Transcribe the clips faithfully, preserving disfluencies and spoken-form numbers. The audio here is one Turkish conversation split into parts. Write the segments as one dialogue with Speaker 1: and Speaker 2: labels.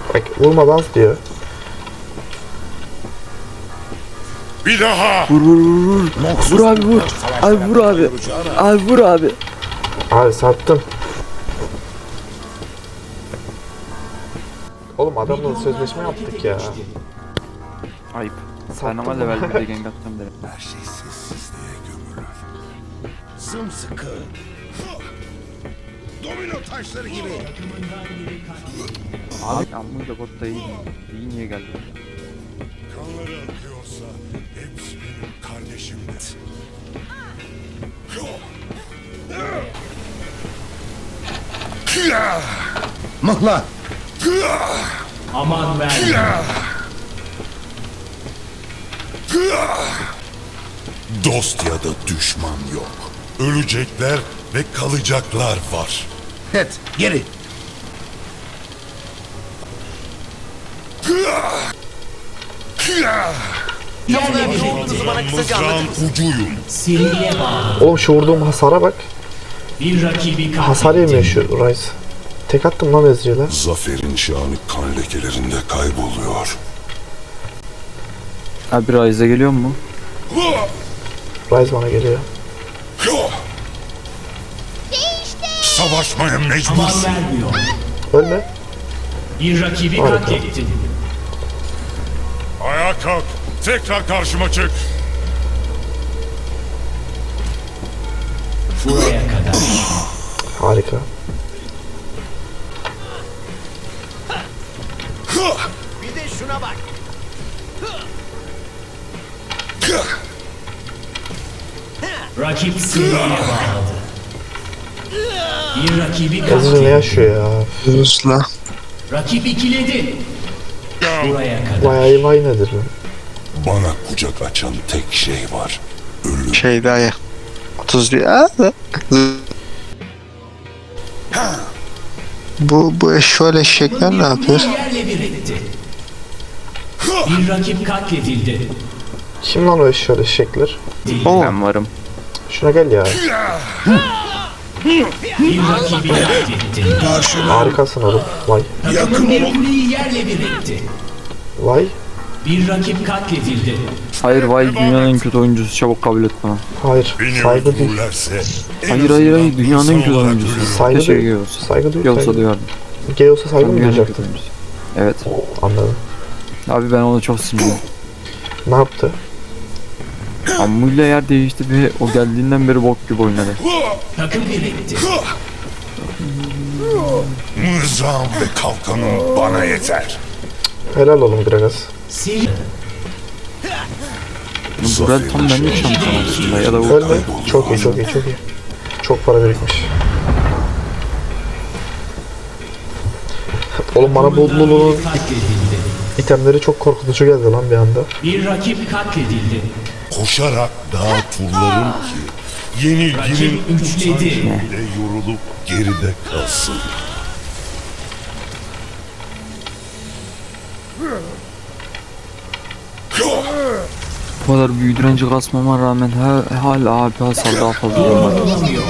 Speaker 1: Bak vurma dans diyor.
Speaker 2: Bir daha.
Speaker 3: Vur vur vur vur. Vur abi vur. Abi vur abi. Abi vur abi.
Speaker 1: Abi sattın. Oğlum adamla sözleşme yaptık ya.
Speaker 3: Ayıp. Sen ama level birde gank atacağım derim.
Speaker 2: Her şey sessizliğe gömülür. Sımsıkı. Domino taşları gibi.
Speaker 3: Abi Ammu'yla botta iyi. İyi niye geldi?
Speaker 2: Kanları akıyorsa hepsi benim kardeşimdir.
Speaker 4: Mıhla.
Speaker 5: Aman ver.
Speaker 2: Dost ya da düşman yok. Ölecekler ve kalacaklar var.
Speaker 4: Et. Geri.
Speaker 2: Mızrağın ucuyum.
Speaker 5: Seriye bağlı.
Speaker 1: Oğlum şu vurduğum hasara bak.
Speaker 5: Bir rakibi
Speaker 1: Hasar yemiyor şu Rice. Tek attım lan Ezreal'e.
Speaker 2: Zaferin şanı kan lekelerinde kayboluyor.
Speaker 3: Abi Ryze'e geliyor mu?
Speaker 1: Rice bana geliyor.
Speaker 2: Savaşmaya
Speaker 5: aman
Speaker 2: mecbursun.
Speaker 5: vermiyor.
Speaker 1: Ölme.
Speaker 5: Bir rakibi
Speaker 1: Harika.
Speaker 5: katlettin.
Speaker 2: Ayağa kalk. Tekrar karşıma çık.
Speaker 5: Buraya kadar.
Speaker 1: Harika.
Speaker 4: Bir de şuna bak.
Speaker 5: Rakip seriye bağladı. Bir rakibi
Speaker 1: Ezreal ne
Speaker 5: katletti.
Speaker 1: yaşıyor ya?
Speaker 6: Rus'la.
Speaker 5: Rakip ikiledi. Buraya kadar.
Speaker 1: Bayağı iyi vay nedir bu?
Speaker 2: Bana kucak açan tek şey var. Ölüm.
Speaker 6: Şey daha ya. otuz diyor. Aa, Bu bu eşşoğlu eşekler ne yapıyor?
Speaker 5: Yerle bir etti. Bir rakip katledildi.
Speaker 1: Kim lan o eşyalı eşekler?
Speaker 6: Oo.
Speaker 3: Ben varım.
Speaker 1: Şuna gel ya.
Speaker 5: Bir rakibi katletti.
Speaker 1: Harikasın oğlum. Vay.
Speaker 5: Takımın bir kuleyi yerle bir etti.
Speaker 1: Vay.
Speaker 5: Bir rakip katledildi.
Speaker 3: Hayır vay dünyanın en kötü oyuncusu, çabuk kabul et bana.
Speaker 1: Hayır.
Speaker 2: Beni
Speaker 1: Saygı duy.
Speaker 2: öldürürlerse en
Speaker 3: Hayır hayır hayır
Speaker 2: azından
Speaker 3: dünyanın en
Speaker 2: insan
Speaker 3: kötü
Speaker 2: olarak
Speaker 3: oyuncusu.
Speaker 2: ölürüm.
Speaker 1: Saygı
Speaker 3: Keşke
Speaker 1: duy.
Speaker 3: Geos'a.
Speaker 1: Saygı duy.
Speaker 3: Geos'a
Speaker 1: saygı.
Speaker 3: duyardım.
Speaker 1: Geos'a saygı
Speaker 3: Ben
Speaker 1: mı
Speaker 3: dünyanın en kötü
Speaker 1: duyacaktın?
Speaker 3: oyuncusu. Evet.
Speaker 1: Anladım.
Speaker 3: Abi ben ona çok sinirliyim.
Speaker 1: Ne yaptı?
Speaker 3: Ammu'yla yer değişti ve o geldiğinden beri bok gibi oynadı.
Speaker 5: Takım bir etti.
Speaker 2: Mızrağım ve kalkanım bana yeter.
Speaker 1: Helal oğlum Gragas.
Speaker 5: Seri.
Speaker 3: Burel tam benlik şampiyon aslında ya da o
Speaker 1: Ölme. Çok iyi çok iyi çok iyi. Çok para birikmiş. Oğlum bana bu Lulu'nun
Speaker 5: Katledildi.
Speaker 1: itemleri çok korkutucu geldi lan bir anda.
Speaker 5: Bir rakip katledildi.
Speaker 2: Koşarak dağa turlarım ki yenilginin
Speaker 5: Rakip üçledi.
Speaker 2: bile yorulup geride kalsın.
Speaker 3: bu kadar büyük direnci kasmama rağmen ha, hala abi hasar daha fazla olmak.
Speaker 5: Durdurulamıyor.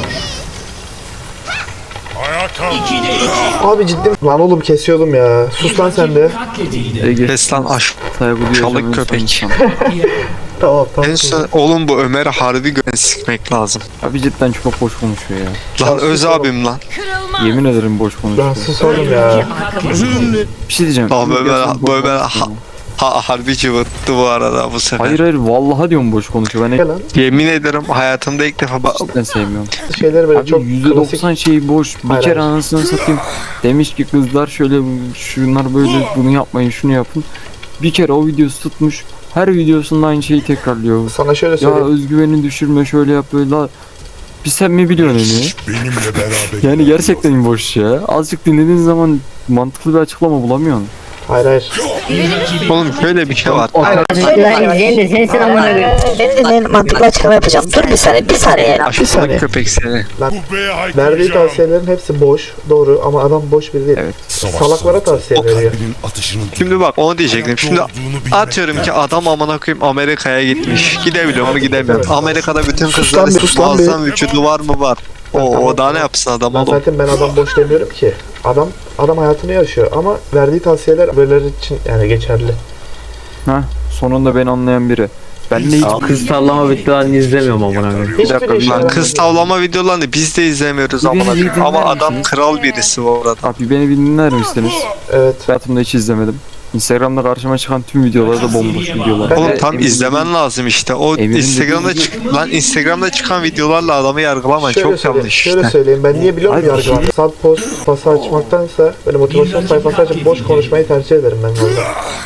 Speaker 2: Ayağa kalk.
Speaker 5: İkide iki.
Speaker 1: Abi ciddi lan oğlum kesiyordum ya. Sus lan sen de.
Speaker 5: Katledildi.
Speaker 3: Ege
Speaker 6: Kes lan aş.
Speaker 3: saygı duyacağım.
Speaker 6: Çalık
Speaker 3: en
Speaker 6: köpek.
Speaker 3: son insan.
Speaker 1: Tamam tamam.
Speaker 6: En son oğlum bu Ömer'i harbi göğe sikmek lazım.
Speaker 3: Abi cidden çok boş konuşuyor ya.
Speaker 6: Lan öz abim lan.
Speaker 3: Yemin ederim boş
Speaker 1: Lan
Speaker 3: konuşuyor.
Speaker 1: sus oğlum ya.
Speaker 5: Katledildi.
Speaker 3: Bir şey diyeceğim.
Speaker 6: Lan
Speaker 3: Gerçekten
Speaker 6: Ömer,
Speaker 3: boş
Speaker 6: bu Ömer
Speaker 3: konuşuyor.
Speaker 6: ha, ha, harbi cıvıttı bu arada bu sefer.
Speaker 3: Hayır hayır vallahi diyorum boş konuşuyor. Ben
Speaker 1: Gel lan.
Speaker 6: Yemin ederim hayatımda ilk defa bak.
Speaker 3: cidden sevmiyorum.
Speaker 1: Şeyleri böyle
Speaker 3: Abi
Speaker 1: çok
Speaker 3: yüzde
Speaker 1: klasik.
Speaker 3: doksan şeyi boş. Bir
Speaker 1: Hayır,
Speaker 3: kere
Speaker 1: hayır.
Speaker 3: anasını satayım. Demiş ki kızlar şöyle şunlar böyle bunu yapmayın şunu yapın. Bir kere o videosu tutmuş. Her videosunda aynı şeyi tekrarlıyor.
Speaker 1: Sana şöyle
Speaker 3: Ya
Speaker 1: söyleyeyim.
Speaker 3: özgüveni düşürme şöyle yap böyle. La, bir sen mi biliyorsun onu?
Speaker 2: Benimle beraber.
Speaker 3: Yani gerçekten boş ya. Azıcık dinlediğin zaman mantıklı bir açıklama bulamıyorsun.
Speaker 1: Hayır hayır.
Speaker 5: Bir rakibi
Speaker 6: Oğlum şöyle bir şey var.
Speaker 7: Lan izleyin izleyin sen amına koyayım. Beni dinleyin mantıklı açıklama yapacağım. Dur bir saniye bir saniye.
Speaker 1: Bir saniye.
Speaker 6: Aşağılık köpek seni.
Speaker 2: Bu beye
Speaker 1: Verdiği
Speaker 2: haykıracağım.
Speaker 1: tavsiyelerin hepsi boş. Doğru ama adam boş biri değil.
Speaker 3: Evet.
Speaker 1: Salaklara tavsiye
Speaker 2: O
Speaker 1: veriyor.
Speaker 2: kalbinin atışının
Speaker 6: Şimdi bak onu diyecektim. Şimdi atıyorum ki adam amına koyayım Amerika'ya gitmiş. Gidebiliyor mu gidemiyor. Amerika'da bütün
Speaker 1: Sus lan
Speaker 6: kızların
Speaker 1: bir, sus lan bir.
Speaker 6: muazzam vücudu var mı var. O,
Speaker 1: Tamam,
Speaker 6: o daha ne
Speaker 1: tamam.
Speaker 6: yapsın adam
Speaker 1: Ben
Speaker 6: oğlum?
Speaker 1: zaten ben adam boş demiyorum ki. Adam adam hayatını yaşıyor ama verdiği tavsiyeler böyleleri için yani geçerli.
Speaker 3: Ha, sonunda beni anlayan biri. Ben de hiç
Speaker 8: Kız tavlama videolarını izlemiyorum amına koyayım.
Speaker 1: Hiçbir
Speaker 3: dakika,
Speaker 1: işe
Speaker 3: bir-
Speaker 6: Lan
Speaker 1: yaramıyor.
Speaker 6: kız tavlama videolarını biz de izlemiyoruz
Speaker 3: Bir
Speaker 6: amına
Speaker 3: beni
Speaker 6: koyayım.
Speaker 3: dinler
Speaker 6: Ama adam
Speaker 3: misiniz?
Speaker 6: kral birisi bu arada.
Speaker 3: Abi beni bir dinler misiniz?
Speaker 1: Evet.
Speaker 3: Hayatımda hiç izlemedim. Instagram'da karşıma çıkan tüm videolar da bomboş videolar.
Speaker 6: Oğlum
Speaker 3: Ve
Speaker 6: tam
Speaker 3: Emir'in
Speaker 6: izlemen lazım işte. O
Speaker 3: Emir'in
Speaker 6: Instagram'da
Speaker 3: dediği
Speaker 6: çık lan Instagram'da çıkan videolarla adamı yargılama
Speaker 1: Şöyle
Speaker 6: çok
Speaker 1: söyleyeyim,
Speaker 6: yanlış
Speaker 1: şöyle
Speaker 6: işte.
Speaker 1: söyleyeyim. Ben niye biliyor musun
Speaker 3: Abi,
Speaker 1: yargılar? Sad post pası açmaktansa böyle motivasyon sayfası açıp boş konuşmayı tercih ederim ben orada.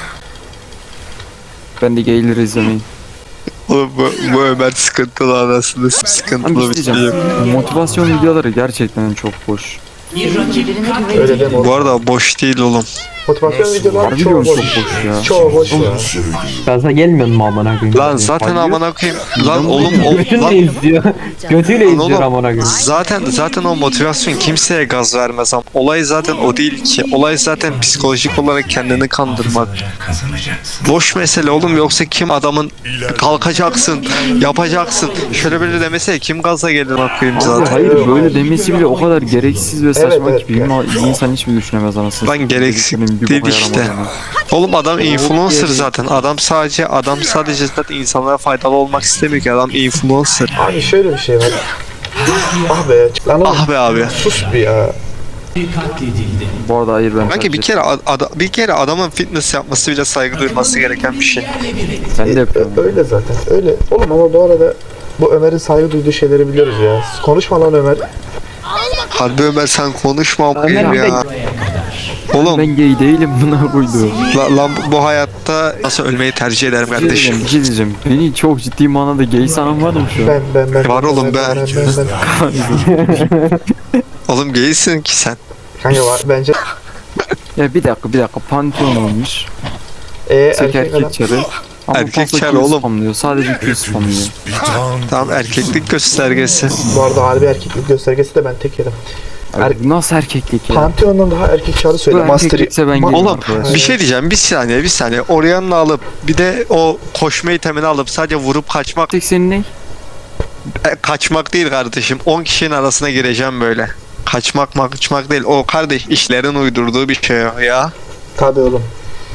Speaker 3: Ben de gayleri izlemeyin.
Speaker 6: Oğlum bu, bu Ömer sıkıntılı anasını
Speaker 3: Ama
Speaker 6: sıkıntılı
Speaker 3: bir
Speaker 6: bir
Speaker 3: şey
Speaker 6: şey.
Speaker 3: diyeceğim. Motivasyon videoları gerçekten çok boş.
Speaker 5: Bir rakip
Speaker 1: Öyle
Speaker 5: katledildi.
Speaker 1: deme oğlum.
Speaker 6: Bu arada boş değil oğlum.
Speaker 1: Motivasyon videoları
Speaker 3: Harbi
Speaker 1: çoğu
Speaker 3: diyorum
Speaker 1: boş.
Speaker 3: çok boş ya.
Speaker 1: Çoğu boş ya.
Speaker 8: Gaza gelmiyor mu amına koyayım?
Speaker 6: Lan zaten
Speaker 3: Hayır.
Speaker 6: amına koyayım. Lan oğlum o
Speaker 8: Götünle
Speaker 6: lan
Speaker 8: izliyor. Götüyle
Speaker 6: Lan
Speaker 8: izliyor
Speaker 6: oğlum,
Speaker 8: amına koyayım.
Speaker 6: zaten zaten o motivasyon kimseye gaz vermez ama olay zaten o değil ki. Olay zaten psikolojik olarak kendini kandırmak. Boş mesele oğlum, yoksa kim adamın kalkacaksın, yapacaksın. Şöyle böyle demese kim gaza gelir bakayım
Speaker 3: Abi
Speaker 6: zaten.
Speaker 3: hayır böyle demesi bile o kadar gereksiz ve saçma
Speaker 1: evet,
Speaker 3: ki bir, ma- bir insan hiç mi düşünemez anasını?
Speaker 6: Lan gereksiz
Speaker 3: Dediklerinin bir
Speaker 6: değil
Speaker 3: boka
Speaker 6: işte.
Speaker 3: yaramadığını.
Speaker 6: Oğlum adam influencer
Speaker 3: geri.
Speaker 6: zaten. Adam sadece adam sadece zaten insanlara faydalı olmak istemiyor ki, adam influencer.
Speaker 1: Abi şöyle bir şey var. Ah be. Lan oğlum
Speaker 6: Ah be abi.
Speaker 1: sus bir ya.
Speaker 5: Katledildi.
Speaker 3: Bu arada hayır ben
Speaker 6: Belki bir
Speaker 3: tercih
Speaker 6: kere ad- ada- bir kere adamın fitness yapması bile saygı duyulması gereken bir şey.
Speaker 3: ettim. Ben de yapıyorum.
Speaker 1: Ö- Öyle zaten. Öyle. Oğlum ama bu arada bu Ömer'in saygı duyduğu şeyleri biliyoruz ya. Konuşma lan Ömer.
Speaker 6: Harbi Ömer sen konuşma okuyayım
Speaker 8: Ömer bir
Speaker 6: ya. Oğlum
Speaker 3: Ben gay değilim buna koydu.
Speaker 6: la- lan bu hayatta nasıl ölmeyi tercih ederim
Speaker 3: Bir şey diyeceğim,
Speaker 6: kardeşim.
Speaker 3: bir şey diyeceğim. Beni çok ciddi manada gay sanan var mı şu an?
Speaker 1: Ben ben ben.
Speaker 6: Var oğlum,
Speaker 1: ben.
Speaker 6: ben.
Speaker 1: ben, ben, ben.
Speaker 6: Oğlum gaysin ki sen.
Speaker 1: Kanka var bence.
Speaker 3: Ya bir dakika bir dakika Pantheon olmuş.
Speaker 1: E,
Speaker 3: Tek
Speaker 1: erkek adam.
Speaker 3: erkek çarı. Ama
Speaker 6: Erkek
Speaker 3: fazla
Speaker 6: çarı
Speaker 3: kill
Speaker 6: oğlum.
Speaker 3: spamlıyor. Sadece kill spamlıyor.
Speaker 2: Bir tan
Speaker 6: Tamam, erkeklik göstergesi.
Speaker 1: Bu arada harbi erkeklik göstergesi de ben tek yedim.
Speaker 3: Abi, bu nasıl erkeklik ya?
Speaker 1: Pantheon'dan daha erkek çağrı söyle.
Speaker 3: Bu
Speaker 1: Master.
Speaker 3: erkeklikse ben
Speaker 1: Ma-
Speaker 3: gayim
Speaker 6: Oğlum
Speaker 3: arkadaş.
Speaker 6: bir şey diyeceğim, bir saniye bir saniye. Orianna alıp bir de o koşma itemini alıp sadece vurup kaçmak
Speaker 3: Tek senin ne?
Speaker 6: E, kaçmak değil kardeşim. on kişinin arasına gireceğim böyle. Kaçmak kaçmak değil. O kardeş işlerin uydurduğu bir şey o ya.
Speaker 1: Tabii oğlum.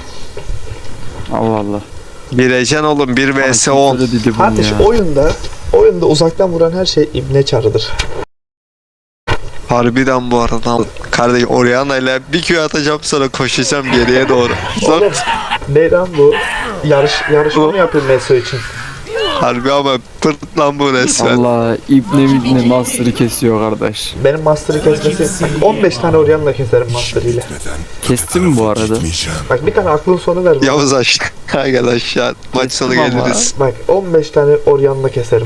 Speaker 3: Allah Allah.
Speaker 6: Gireceksin oğlum bir vs on.
Speaker 3: Öyle dedi bunu
Speaker 1: Kardeşim
Speaker 3: ya.
Speaker 1: oyunda oyunda uzaktan vuran her şey ibne çarıdır.
Speaker 6: Harbiden bu arada. Kardeş Orianna ile bir Q atacağım, sonra koşacağım geriye doğru. Lan
Speaker 1: Oğlum ne lan bu? Yarış yarışma mı yapıyor Meso için?
Speaker 6: harbi ama pırt lan bu resmen.
Speaker 3: Allah ibne ibne Master'ı kesiyor kardeş.
Speaker 1: Benim Master'ı kesmesi bak, on beş tane Orianna keserim Master ile.
Speaker 3: Kestin mi bu arada?
Speaker 2: gitmeyeceğim.
Speaker 1: Bak bir tane aklın sonu ver bana.
Speaker 6: Yavuz aşağı. Gel aşağı. Maç sonu
Speaker 3: Kestim ama.
Speaker 6: geliriz.
Speaker 1: Bak on beş tane Orianna keserim.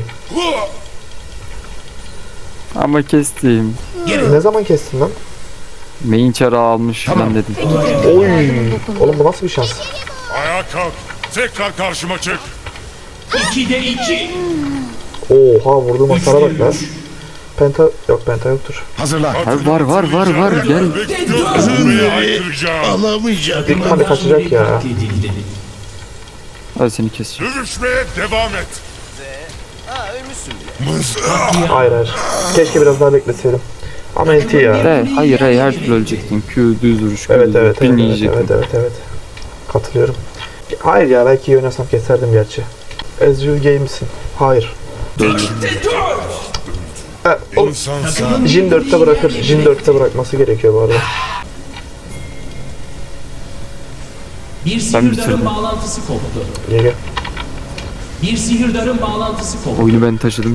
Speaker 3: Ama kestim.
Speaker 1: Ne zaman kestin lan?
Speaker 3: Main çarı almış falan dedim.
Speaker 1: Oy. Oğlum bu nasıl bir şans?
Speaker 2: Ayağa kalk. Tekrar karşıma çık.
Speaker 5: ikide iki.
Speaker 1: Oha vurduğum hasara bak lan. Penta yok penta yoktur.
Speaker 4: Hazırlan.
Speaker 3: Abi var var var var gel.
Speaker 2: Gözümü aykıracağım.
Speaker 1: Bir tane kaçacak ya.
Speaker 5: Katledildi.
Speaker 3: Hadi seni keseceğim.
Speaker 2: Dövüşmeye devam et. Mızrak.
Speaker 1: Hayır hayır. Keşke biraz daha bekleseydim. Ama enti ya.
Speaker 3: De, hayır hayır her türlü ölecektin. Q düz vuruş. Q
Speaker 1: Evet
Speaker 3: düz
Speaker 1: evet
Speaker 3: vuruş.
Speaker 1: evet
Speaker 3: Birini
Speaker 1: evet,
Speaker 3: yiyecektin.
Speaker 1: evet evet evet. Katılıyorum. Hayır ya belki iyi oynasam keserdim gerçi. Ezreal Games'in. Hayır. Ha, oğlum
Speaker 2: İnsan sen.
Speaker 1: Jin dörtte bırakır. Jin dörtte bırakması gerekiyor bu arada.
Speaker 5: Bir
Speaker 3: bitirdim.
Speaker 5: sihirdarın bağlantısı koptu.
Speaker 1: Geliyor.
Speaker 5: Bir sihirdarın bağlantısı koptu.
Speaker 3: Oyunu ben taşıdım.